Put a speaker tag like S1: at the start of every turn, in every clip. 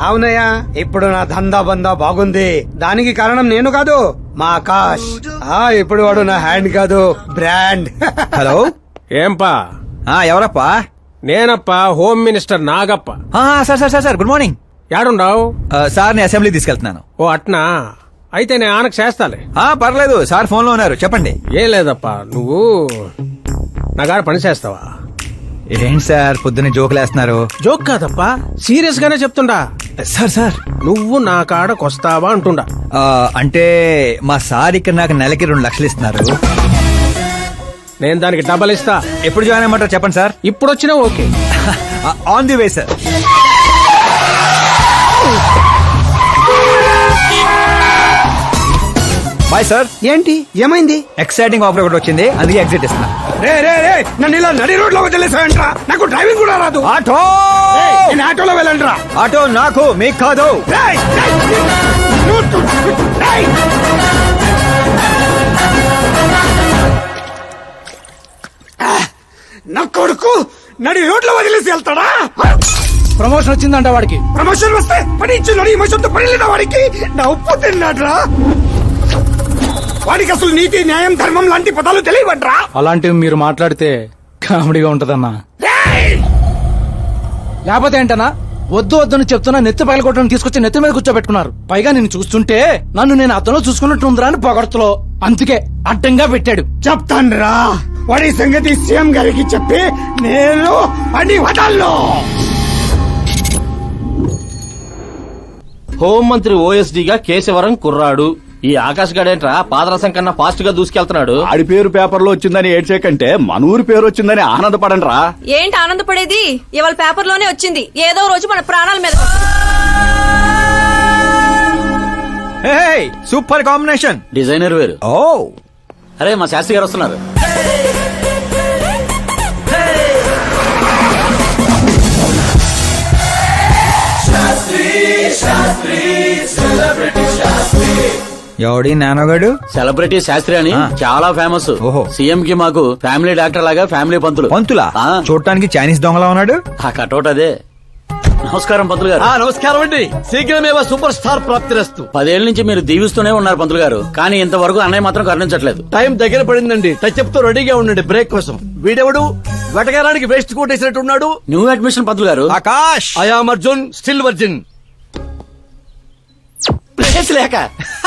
S1: అవునయ్యా, ఇప్పుడు నా దందా బందా బాగుంది. దానికి కారణం నేను కాదు, మా ఆకాష్. ఇప్పుడు వాడు నా హ్యాండ్ కాదు, బ్రాండ్.
S2: హలో,
S3: ఏంపా?
S2: ఎవరప్పా?
S3: నేనప్పా, home minister Nagappa.
S2: Sir sir sir sir, good morning.
S3: యాడుండావు?
S2: సార్ ని అసెంబ్లీ తీసుకెళ్తున్నాను.
S3: ఓ అట్నా, అయితే నేను ఆనకు చేస్తాలే.
S2: పర్లేదు సార్, ఫోన్ లో ఉన్నారు, చెప్పండి.
S3: ఏం లేదప్పా, నువ్వు నా గారు పని చేస్తావా?
S2: ఏంటి సార్ పొద్దున్న జోకులేస్తున్నారు?
S3: జోక్ కాదప్పా, సీరియస్ గానే చెప్తుండా.
S2: సార్ సార్,
S3: నువ్వు నా కాడకొస్తావా అంటుండా.
S2: అంటే మా సార్ ఇక్కడ నాకు నెలకి 2 లక్షలు ఇస్తున్నారు.
S3: నేను దానికి డబల్ ఇస్తా.
S2: ఎప్పుడు జాయిన్ అయ్యమంటారు చెప్పండి సార్.
S3: ఇప్పుడు వచ్చినా okay.
S2: On the way sir. Bye sir.
S1: ఏంటి, ఏమైంది?
S2: ఎక్సైటింగ్ ఆఫర్ ఒకటి వచ్చింది, అందుకే ఎగ్జిట్ ఇస్తున్నా.
S1: నన్ను ఇలా నడి రోడ్ లో వదిలేసాయంట్రా, నాకు డ్రైవింగ్ కూడా రాదు.
S2: ఆటో,
S1: నేను ఆటోలో వెళ్ళండిరా.
S2: ఆటో నాకు, మీకు కాదు.
S1: నా కొడుకు నడి రోడ్ లో వదిలేసి వెళ్తాడా?
S4: ప్రమోషన్ వచ్చిందంట వాడికి.
S1: ప్రమోషన్ వస్తే పని ఇచ్చిన ఈ మోసంతో పని లేదా వాడికి? నా ఉప్పు తిన్నాడ్రా. వాడికి అసలు నీతి, న్యాయం, ధర్మం లాంటి పదాలు తెలియవట్రా.
S4: అలాంటివి మీరు మాట్లాడితే కామెడీగా ఉంటదన్నా. లేకపోతే ఏంటన్నా, వద్దు వద్దని చెప్తున్నా నెత్తి పగలగొట్టడం తీసుకొచ్చి నెత్తి మీద కూర్చోబెట్టుకున్నారు. పైగా నేను చూస్తుంటే నన్ను నేను అతను చూసుకున్నట్టుందిరా అని పొగడతలో, అందుకే అడ్డంగా పెట్టాడు.
S1: చెప్తాన్రా, వాడి సంగతి సీఎం గారికి చెప్పి నేను పని వదల్లో.
S5: హోంమంత్రి ఓఎస్డీగా కేశవరం కుర్రాడు. ఈ ఆకాశ్ గడేంట్రా పాదరసం కన్నా ఫాస్ట్ గా దూసుకెళ్తున్నాడు.
S6: ఆడి పేరు పేపర్ లో వచ్చిందని ఏడ్చేకంటే మన ఊరి పేరు వచ్చిందని ఆనందపడండి రా.
S7: ఏంటి ఆనందపడేది? ఇవాళ పేపర్ లోనే వచ్చింది. ఏదో రోజు మన ప్రాణాల మీద.
S2: Super combination.
S5: డిజైనర్ వేరు.
S2: ఓ
S5: అరే, మా శాస్త్రి గారు వస్తున్నారు.
S2: ఎవడి నానోగాడు?
S5: సెలబ్రిటీ శాస్త్రి అని చాలా ఫేమస్.
S2: ఓహో.
S5: సీఎం కి మాకు ఫ్యామిలీ డాక్టర్ లాగా ఫ్యామిలీ పంతులు.
S2: పంతులా? చూడటానికి చైనీస్ దొంగలా ఉన్నాడు.
S5: ఆ కటౌట్ అదే. నమస్కారం పంతులు గారు.
S8: నమస్కారం అండి. శీఘ్రమేవో సూపర్ స్టార్ ప్రాప్తిరస్తు.
S5: 10 ఏళ్ల నుంచి మీరు దీవిస్తూనే ఉన్నారు పంతులు గారు, కానీ ఇంతవరకు అన్నయ్య మాత్రం కరుణించట్లేదు.
S8: టైం దగ్గర పడిందండి. టచ్అప్ తో రెడీగా ఉండండి బ్రేక్ కోసం. వీడెవడు వెటకారానికి వేస్ట్ కోట్ వేసినట్టు ఉన్నాడు.
S5: న్యూ అడ్మిషన్ పంతులు గారు.
S2: Akash.
S8: I am Arjun, still virgin.
S5: Place లేక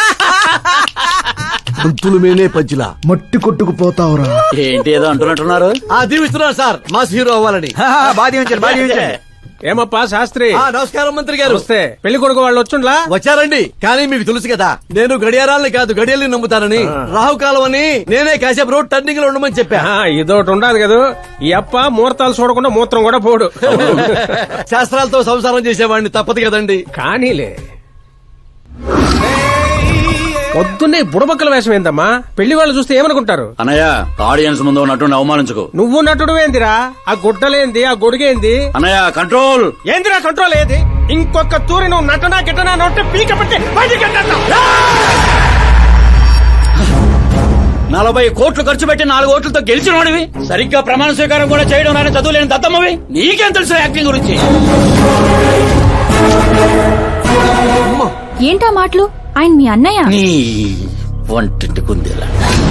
S8: పంతులు మేనే పంచులా మట్టి కొట్టుకుపోతావురా.
S5: ఏంటి ఏదో అంటున్నట్టున్నారు?
S8: దీవిస్తున్నారు సార్, మాస్ హీరో అవ్వాలని.
S2: బాధి ఉంచారు, బాధి ఉంచారు.
S3: ఏమప్పా శాస్త్రి?
S8: నమస్కారం మంత్రి గారు.
S3: వస్తే పెళ్లి కొడుకు వాళ్ళు వచ్చుండ్లా?
S8: వచ్చారండి, కానీ మీకు తెలుసు కదా నేను గడియారాలని కాదు గడియల్ని నమ్ముతానని. రాహుకాలం అని నేనే కాసేపు రోడ్ టర్నింగ్ లో ఉండమని చెప్పా.
S3: ఇదోటి ఉండదు కదా, ఈ అప్ప ముహూర్తాలు చూడకుండా మూత్రం కూడా పోడు.
S8: శాస్త్రాలతో సంసారం చేసేవాడిని, తప్పదు కదండి.
S3: కానీలే, పొద్దున్నే బుడబక్కల వేషం ఏందమ్మా? పెళ్లి వాళ్ళు చూస్తే ఏమనుకుంటారు?
S5: అన్నయ్య, ఆడియన్స్ ముందు నటుని అవమానించుకో.
S3: నువ్వు నటుడు ఏందిరా? ఆ గుడ్డలేంది, ఆ గొడుగేంది?
S5: అన్నయ్య కంట్రోల్.
S3: ఏందిరా కంట్రోల్ ఏది? ఇంకొక తూరి నువ్వు నటనా గిట్టనా నోటే పీక పట్టి బయటికి గంటన్నా.
S5: 40 కోట్లు ఖర్చు పెట్టి 4 ఓట్లతో గెలిచిన వాడివి, సరిగ్గా ప్రమాణ స్వీకారం కూడా చేయడం రాని చదువు లేని దత్తమ్మవి, నీకేం తెలుసు యాక్టింగ్ గురించి?
S7: ఏంటా మాటలు? ఆయన మీ అన్నయ్య.
S5: నీ వంటింటి కుందేలా.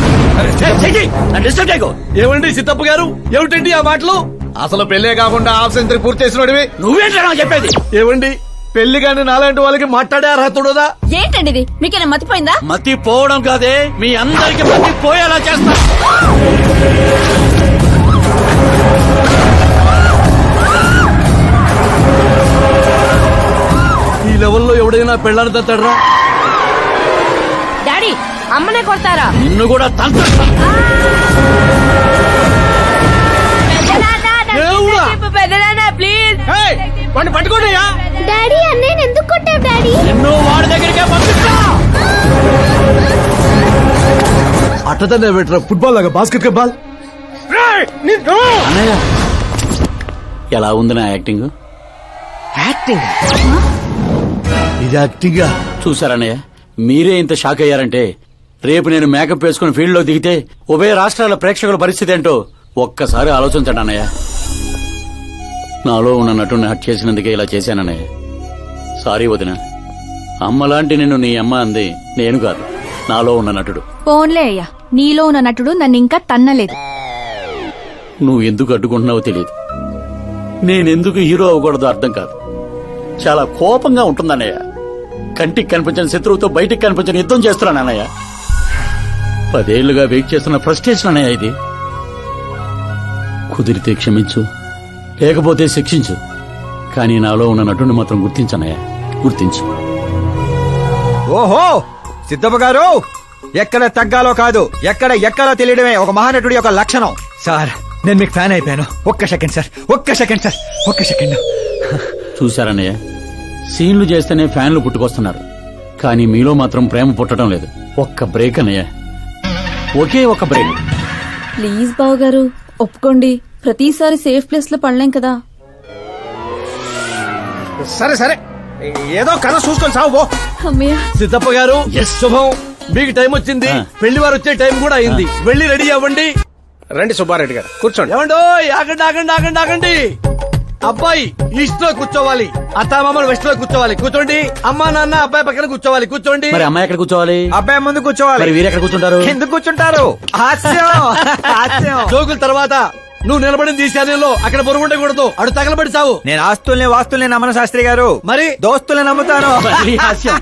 S8: ఏమండి సిద్ధప్ప గారు, ఏమిటండి ఆ మాటలు?
S6: అసలు పెళ్లే కాకుండా హాఫ్ సెంచరీ పూర్తి చేసినోడివి
S5: నువ్వేంటా నాకు చెప్పేది?
S8: ఏమండి, పెళ్లి కానీ నాలాంటి వాళ్ళకి మాట్లాడే అర్హత ఉండదా?
S7: ఏంటండి ఇది? మీకేనా మతిపోయిందా?
S5: మతి పోవడం కాదే, మీ అందరికి మతి పోయేలా చేస్తా.
S8: ఈ లెవెల్లో ఎవడైనా పెళ్ళాన్ని తట్టడరా?
S7: డాడీ, అమ్మనే కొడతారా?
S5: నిన్ను కూడా తంత్ర.
S7: ప్లీజ్
S3: వాడిని పట్టుకోండియా.
S7: డాడీ, అన్నయ్య ఎందుకు కొట్టావు డాడీ?
S5: నిన్ను వాడి దగ్గరికే పంపిస్తా.
S8: అట్టదనే పెట్టరా, ఫుట్బాల్ లాగా బాస్కెట్ బాల్.
S5: అన్నయ్య, ఎలా ఉంది నా యాక్టింగ్?
S8: ఇది యాక్టింగ్.
S5: చూసారన్నయ్య, మీరే ఇంత షాక్ అయ్యారంటే రేపు నేను మేకప్ వేసుకుని ఫీల్డ్ లో దిగితే ఉభయ రాష్ట్రాల ప్రేక్షకుల పరిస్థితి ఏంటో ఒక్కసారి ఆలోచించండి అన్నయ్య. నాలో ఉన్న నటుని హట్ చేసినందుకే ఇలా చేశానన్నయ్య. సారీ వదిన, అమ్మలాంటి నిన్ను నీ అమ్మ అంది నేను కాదు, నాలో ఉన్న నటుడు.
S9: పోన్లే అయ్యా, నీలో ఉన్న నటుడు నన్ను ఇంకా తన్నలేదు.
S5: నువ్వు ఎందుకు అడ్డుకుంటున్నావో తెలియదు. నేనెందుకు హీరో అవ్వకూడదో అర్థం కాదు. చాలా కోపంగా ఉంటుందన్నయ్య. కంటికి కనిపించిన శత్రువుతో బయటికి కనిపించిన యుద్ధం చేస్తున్నాను అన్నయ్య. 10 ఏళ్లుగా వెయిట్ చేస్తున్న ఫ్రస్ట్రేషన్ అన్నయ్య ఇది. కుదిరితే క్షమించు, లేకపోతే శిక్షించు, కానీ నాలో ఉన్న నటుని మాత్రం గుర్తించనయ్య, గుర్తించు.
S2: ఓహో సిద్ధప్ప గారు, ఎక్కడ తగ్గాలో కాదు, ఎక్కడ ఎక్కాలో తెలియడమే ఒక మహానటుడి యొక్క లక్షణం. సార్ నేను మీకు ఫ్యాన్ అయిపోయాను. ఒక్క సెకండ్ సార్, ఒక్క సెకండ్ సార్, ఒక్క సెకండ్.
S5: చూశారన్నయ్య, సీన్లు చేస్తేనే ఫ్యాన్లు పుట్టుకొస్తున్నారు, కానీ మీలో మాత్రం ప్రేమ పుట్టడం లేదు. ఒక్క బ్రేక్ అన్నయ్య, ఒకే ఒక బ్రేక్.
S7: ప్లీజ్ బావగారు ఒప్పుకోండి. ప్రతిసారి సేఫ్ ప్లేస్ లో పడలేం కదా.
S3: సరే సరే, ఏదో కథ చూసుకొని సాగు పో.
S7: అమ్మయ్య,
S8: సిద్ధప్ప గారు, శుభం. మీకు టైం వచ్చింది, పెళ్లి వారు వచ్చే టైం కూడా అయింది. వెళ్ళి రెడీ అవ్వండి.
S3: రండి సుబ్బారెడ్డి గారు, కూర్చోండి.
S8: ఏమండో, ఆగండి ఆగండి ఆగండి ఆగండి. అబ్బాయి ఈస్ట్ లో కూర్చోవాలి, అత్తామామలు వెస్ట్ లో కూర్చోవాలి. కూర్చోండి. అమ్మా నాన్న అబ్బాయి పక్కన కూర్చోవాలి. కూర్చోండి.
S5: మరి అమ్మాయి ఎక్కడ కూర్చోవాలి?
S2: అబ్బాయి ముందు కూర్చోవాలి.
S5: మరి వీరు ఎక్కడ కూర్చుంటారు?
S2: ఎందుకు కూర్చుంటారు? హాస్యం హాస్యం.
S8: జోకుల తర్వాత నువ్వు నిలబడింది ఈ శానంలో, అక్కడ బరువు ఉండకూడదు. అడు తగలబడి సావు.
S2: నేను ఆస్తుల్ని వాస్తుల్ని నమ్మను శాస్త్రి గారు,
S8: మరి
S2: దోస్తుల్ని నమ్ముతాను.
S5: మళ్ళీ హాస్యం.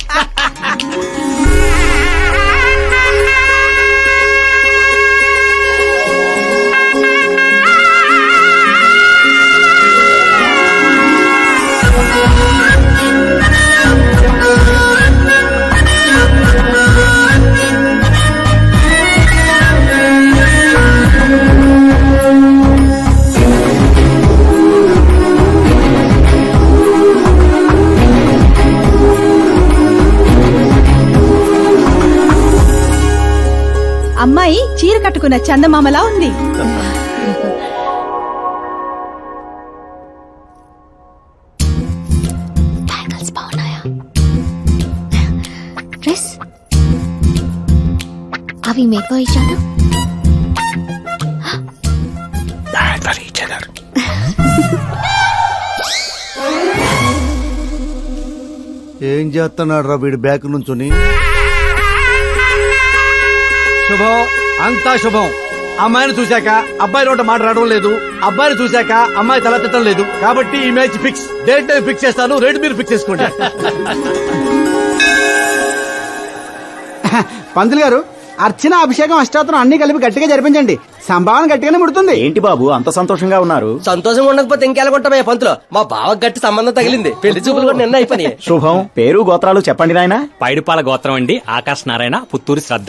S9: అమ్మాయి చీర కట్టుకున్న చందమామలా ఉంది.
S10: డ్రెస్ అవి మేకో ఇచ్చాడు.
S6: ఏం చేస్తున్నాడు రా వీడి బ్యాక్ నుంచుని?
S8: శుభం, అంతా శుభం. అమ్మాయిని చూశాక అబ్బాయి నోట మాట రావడం లేదు, అబ్బాయిని చూశాక అమ్మాయి తల తిట్టడం లేదు. కాబట్టి ఈ match fix. Date time fix చేస్తాను, రేట్ మీరు ఫిక్స్ చేసుకోండి.
S4: పంతులు గారు, అర్చన అభిషేకం అష్టాత్రం అన్ని కలిపి గట్టిగా జరిపించండి. సంభావన గట్టిగానే ముడుతుంది.
S6: ఏంటి బాబు అంత సంతోషంగా ఉన్నారు?
S3: సంతోషంగా ఉండకపోతే ఇంకెలాగుంటామయ్యా పంతులు. మా బావ గట్టి సంబంధం తగిలింది, పెళ్లి చూపులు కూడా నిన్న అయిపోయి.
S6: శుభం. పేరు గోత్రాలు చెప్పండి నాయనా.
S11: పైడిపాల గోత్రం అండి, ఆకాశ్ నారాయణ, పుత్తూరు శ్రద్ధ.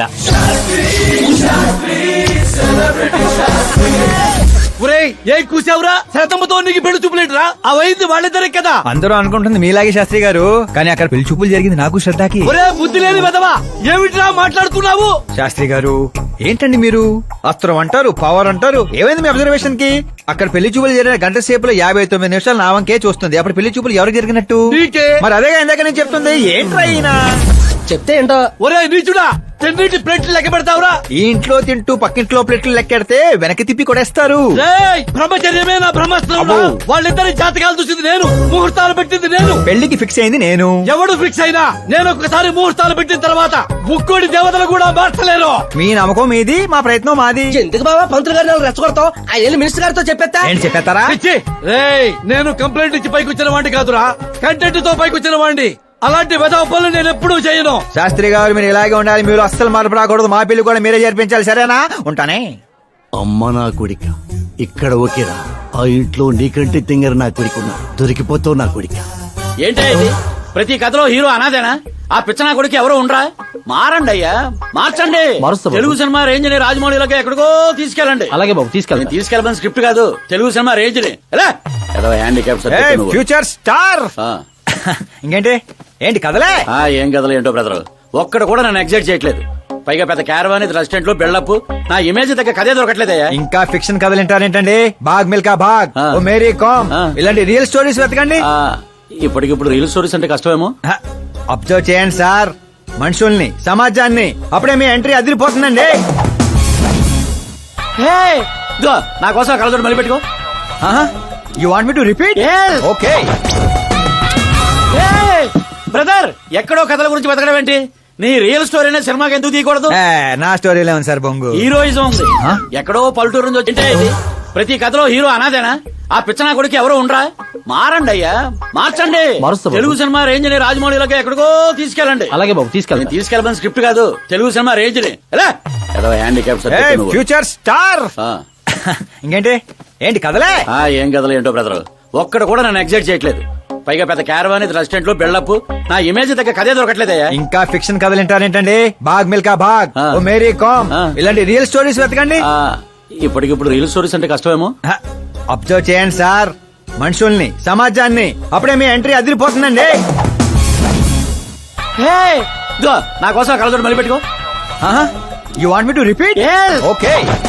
S8: ఒరేయ్, ఏం కూసావురా? శతంతో నీకు పెళ్లి చూపులేట్రా? అవైంది వాళ్ళిద్దరే కదా.
S2: అందరూ అనుకుంటుంది మీలాగే శాస్త్రి గారు, కానీ అక్కడ పెళ్లి చూపులు జరిగింది నాకు శ్రద్ధకి.
S8: ఒరే బుద్ధి లేని వెదవా, ఏమిట్రా మాట్లాడుతున్నావు?
S2: శాస్త్రి గారు ఏంటండి మీరు? అస్త్రం అంటారు, పవర్ అంటారు. ఏమైంది మీ అబ్జర్వేషన్ కి? అక్కడ పెళ్లి చూపులు జరిగిన గంట సేపులో 59 నిమిషాలు నా వంకే చూస్తుంది. అప్పుడు పెళ్లి చూపులు ఎవరికి జరిగినట్టు?
S8: నీకే.
S2: మరి అదేగా ఇందాక నేను చెప్తుంది. ఏంట్రా ఈయన
S3: చెప్తే ఏంటో.
S8: ఒరే నీచుడా, తెన్నింటి ప్లేట్లు లెక్క పెడతావురా?
S2: ఈ ఇంట్లో తింటూ పక్కింట్లో ప్లేట్లు లెక్కెడితే వెనక్కి తిప్పి కొడేస్తారు.
S8: రేయ్, బ్రహ్మచర్యమే నా బ్రహ్మాస్త్రం. వాళ్ళిద్దరి జాతకాలు చూసింది నేను, ముహూర్తాలు పెట్టింది నేను,
S2: పెళ్లికి ఫిక్స్ అయింది నేను.
S8: ఎవడు ఫిక్స్ అయినా నేను ఒక్కసారి ముహూర్తాలు పెట్టిన తర్వాత ముక్కోడి దేవతలు కూడా మార్చలేరు.
S2: మీ నమ్మకం మీది, మా ప్రయత్నం మాది.
S3: ఎందుకు బాబా పంతులు గారిని రెచ్చగొడతావు? ఆయన మినిస్టర్ గారితో చెప్పేస్తా.
S2: ఏంటి చెప్పేస్తారా?
S8: పిచ్చి. రేయ్, నేను కంప్లైంట్ ఇచ్చి పైకి వచ్చిన వాడిని కాదురా, కంటెంట్ తో పైకి వచ్చిన వాడిని. అలాంటి వెధవ పనులు నేను ఎప్పుడూ చేయను.
S2: శాస్త్రి గారు మీరు ఇలాగే ఉండాలి, మీరు అస్సలు మార్పు రాకూడదు. మా పెళ్లి కూడా మీరే జరిపించాలి, సరేనా? ఉంటానే.
S6: అమ్మ నా కొడిక, ఇక్కడ ఓకేరా. ఆ ఇంట్లో నీకంటే తింగర నా కొడుకున్నా, దొరికిపోతావు నా కొడిక.
S5: ఏంటే ఇది? ప్రతి కథలో హీరో అనాదేనా? ఆ పిచ్చనా కొడుకు ఎవరో ఉండరా? మారండి అయ్యా, మార్చండి. తెలుగు సినిమా రేంజ్ ని రాజమౌళిలోకి ఎక్కడికో తీసుకెళ్ళండి.
S3: అలాగే బాబు, తీసుకెళ్తా.
S5: తీసుకెళ్ళమని స్క్రిప్ట్ కాదు, తెలుగు సినిమా రేంజ్ ని. Handicap
S2: future star. ఇంకేంటి? ఏంటి కదలే?
S5: ఏం కథలు ఏంటో బ్రదర్, ఒక్కడ కూడా నన్ను ఎగ్జైట్ చేయట్లేదు. పైగా పెద్ద క్యారవాన్, రెస్టారెంట్ లో బిల్డప్, నా ఇమేజ్ దగ్గర కథే దొరకట్లేదయ్యా.
S2: ఇంకా ఫిక్షన్ కథలు వింటారేంటండి? బాగ్ మిల్కా బాగ్, ఓ మేరీ కామ్, ఇలాంటి రియల్ స్టోరీస్ వెతకండి.
S5: ఇప్పటికిప్పుడు రీల్ స్టోరీస్ అంటే కష్టమేమో.
S2: అబ్జర్వ్ చేయండి సార్ మనుషుల్ని, సమాజాన్ని, అప్పుడే మీ ఎంట్రీ అదిరిపోతుందండి.
S5: నా కోసం కలదోడు మళ్ళీ పెట్టుకో.
S2: You want me to repeat? Okay.
S5: ఎక్కడో కథల గురించి బతకడం ఏంటి? నీ రియల్ స్టోరీ సినిమాకి ఎందుకు తీయకూడదు?
S2: నా స్టోరీలో ఉంది సార్ బొంగు.
S5: హీరోయిజం ఉంది. ఎక్కడో పల్లెటూరు నుంచి వచ్చింటే ఇది. ప్రతి కథలో హీరో అనాదేనా? ఆ పిచ్చనా కొడుకు ఎవరో ఉండరా? మారండి అయ్యా, మార్చండి. తెలుగు సినిమా రేంజ్ ని రాజమౌళిలోకి ఎక్కడికో తీసుకెళ్ళండి.
S4: అలాగే బాబు తీసుకెళ్ళి.
S5: తీసుకెళ్ళమని స్క్రిప్ట్ కాదు, తెలుగు సినిమా రేంజ్ ని. Handicap
S2: future star. ఇంకేంటి ఏంటి కదలే?
S5: ఏం కథలు ఏంటో బ్రదర్, ఒక్కడ కూడా నన్ను ఎగ్జైట్ చేయట్లేదు. పైగా పెద్ద క్యారవాన్ రెస్టారెంట్ లో బిల్డప్, నా ఇమేజ్ దగ్గర కథే దొరకట్లేదయ్యా.
S2: ఇంకా ఫిక్షన్ కథలు వింటారేంటండి? బాగ్ మిల్కా బాగ్, ఓ మేరీ కామ్, ఇలాంటి రియల్ స్టోరీస్ వెతకండి.
S5: ఇప్పటికిప్పుడు రియల్ స్టోరీస్ అంటే కష్టమేమో.
S2: అబ్జర్వ్ చేయండి సార్ మనుషుల్ని, సమాజాన్ని, అప్పుడే మీ ఎంట్రీ అదిరిపోతుందండి.
S5: నా కోసం కలదోడు మళ్ళీ పెట్టుకో.
S2: You want me to repeat? Okay.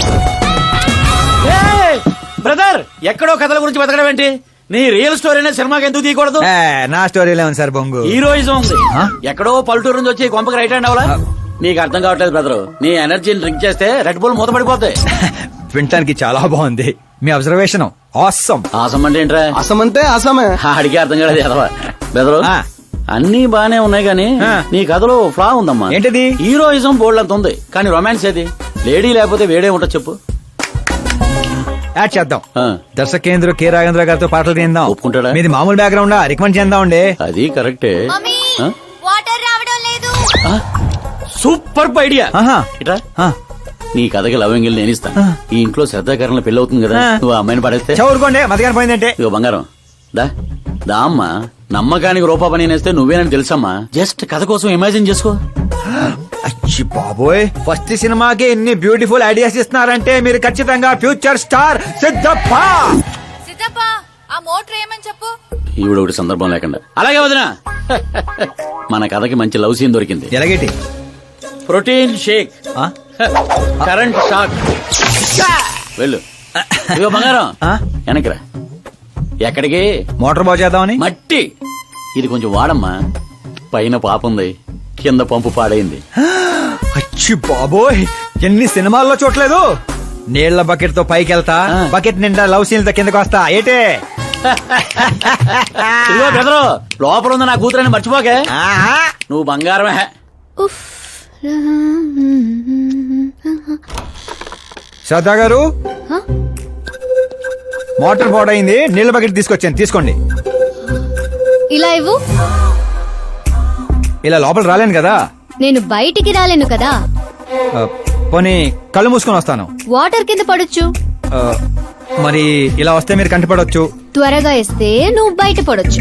S5: Brother, ఎక్కడో కథల గురించి బతకడం ఏంటి? నీ రియల్ స్టోరీ సినిమాకి ఎందుకు తీయకూడదు?
S2: నా స్టోరీలో ఉంది సార్ బొంగు.
S5: హీరోయిజం ఉంది. ఎక్కడో పల్లెటూరు నుంచి వచ్చి కొంపకి రైట్ హ్యాండ్ అవలా? నీకు అర్థం కావట్లేదు బ్రదర్. నీ ఎనర్జీని డ్రింక్ చేస్తే రెడ్ బుల్ మూత పడిపోతాయి.
S2: వినటానికి చాలా బాగుంది మీ అబ్జర్వేషన్. ఆసమ్.
S5: ఆసం అంటే ఏంట్రా?
S3: అసం అంటే అసమే.
S5: అడిగే అర్థం కాలేదు ఎదవా. బెదరు అన్ని బానే ఉన్నాయి గానీ నీ కథలో ఫ్లా ఉందమ్మా.
S2: ఏంటిది?
S5: హీరోయిజం బోల్డ్ అంత ఉంది కానీ రొమాన్స్ ఏది? లేడీ లేకపోతే వేడే ఉంటా చెప్పు.
S2: యాడ్ చేద్దాం. దర్శకేంద్ర కె రాఘేంద్ర గారితో పాటలు తీద్దాం.
S5: ఒప్పుకుంటాడా?
S2: మీది మామూలు బ్యాక్గ్రౌండ్ రికమెండ్ చేద్దాం అండి.
S5: అది కరెక్టే.
S10: వాటర్ రావడం లేదు.
S5: Super idea. ఇట్రా, నీ కథకి లవ్ ఎంగిల్ నేను ఇస్తాను. ఈ ఇంట్లో శ్రద్ధాకరణ పెళ్లి అవుతుంది కదా, నువ్వు ఆ అమ్మాయిని పడేస్తే
S2: చదువుకోండి. మధ్యాహ్నం పోయిందంటే
S5: ఇగో బంగారం దా దా అమ్మా. నమ్మకానికి రూపా పని నేస్తే నువ్వేనని తెలుసమ్మా. జస్ట్ కథ కోసం ఇమాజిన్ చేసుకో.
S2: అచ్చి బాబోయ్, ఫస్ట్ సినిమాకి ఎన్ని బ్యూటిఫుల్ ఐడియాస్ ఇస్తున్నారంటే మీరు ఖచ్చితంగా ఫ్యూచర్ స్టార్ సిద్ధప్ప.
S10: సిద్ధప్ప, ఆ మోటర్ ఏమని చెప్పు.
S5: ఈవిడ ఒకటి సందర్భం లేకుండా. అలాగే వదినా, మన కథకి మంచి లవ్ సీన్ దొరికింది.
S2: ఎలాగేటి?
S5: Protein shake, current shock. వెళ్ళు. ఇగో బంగారం వెనకరా. ఎక్కడికి?
S2: మోటార్ బాగు చేద్దామని.
S5: మట్టి ఇది కొంచెం వాడమ్మా. పైన పాప ఉంది, కింద పంపు పాడైంది.
S2: అచ్చి బాబోయ్, ఎన్ని సినిమాల్లో చూడలేదు. నీళ్ల బకెట్ తో పైకి వెళ్తా, బకెట్ నిండా లవ్ సీన్లతో కిందకి వస్తా. ఏటే
S5: ఇదిగో బెదరు, లోపల ఉంది నా కూతురని మర్చిపోకే. నువ్వు బంగారమే.
S2: శ్రద్ధా గారు, మోటార్ పాడైంది, నీళ్ల బకెట్ తీసుకొచ్చాను, తీసుకోండి.
S10: ఇలా ఇవ్వు.
S2: ఇలా లోపల రాలేను కదా.
S10: నేను బయటికి రాలేను కదా.
S2: పోనీ కళ్ళు మూసుకొని వస్తాను.
S10: వాటర్ కింద పడొచ్చు.
S2: మరి ఇలా వస్తే మీరు కంటిపడవచ్చు.
S10: త్వరగా ఇస్తే నువ్వు బయట పడొచ్చు.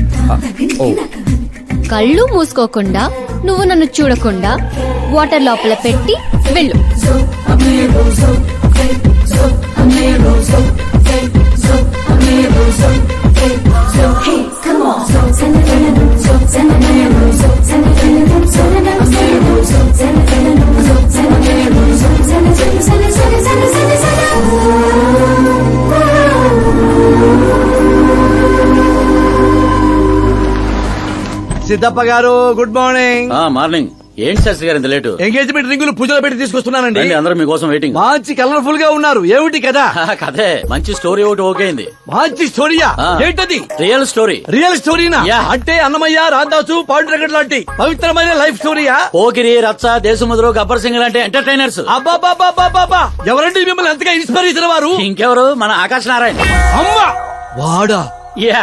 S10: కళ్ళు మూసుకోకుండా, నువ్వు నన్ను చూడకుండా వాటర్ లోపల పెట్టి వెళ్ళు.
S8: సిద్ధప్ప గారు, గుడ్ మార్నింగ్.
S5: మార్నింగ్. ఏంటి శాస్త్రి గారు ఇంత లేటు?
S8: ఎంగేజ్మెంట్ రింగులు పూజలో పెట్టి తీసుకొస్తున్నానండి.
S5: అందరూ మీకోసం వెయిటింగ్.
S8: మంచి కలర్ఫుల్ గా ఉన్నారు. ఏమిటి కదా?
S5: కథే మంచి స్టోరీ ఒకటి ఓకే అయింది.
S8: మంచి స్టోరీయా? ఏంటది?
S5: Real story.
S8: రియల్ స్టోరీనా? అంటే అన్నమయ్య, రాధాసు, పాండురంగడ్ లాంటి పవిత్రమైన లైఫ్ స్టోరీయా?
S5: పోకిరి, రచ్చ, దేశముద్రు, గబ్బర్ సింగ్ లాంటి ఎంటర్టైనర్స్.
S8: అబ్బాబాబాబాబా, ఎవరండి మిమ్మల్ని అంతగా ఇన్స్పైర్ చేసిన వారు?
S5: ఇంకెవరు, మన ఆకాశ్ నారాయణ.
S8: అమ్మా, వాడా?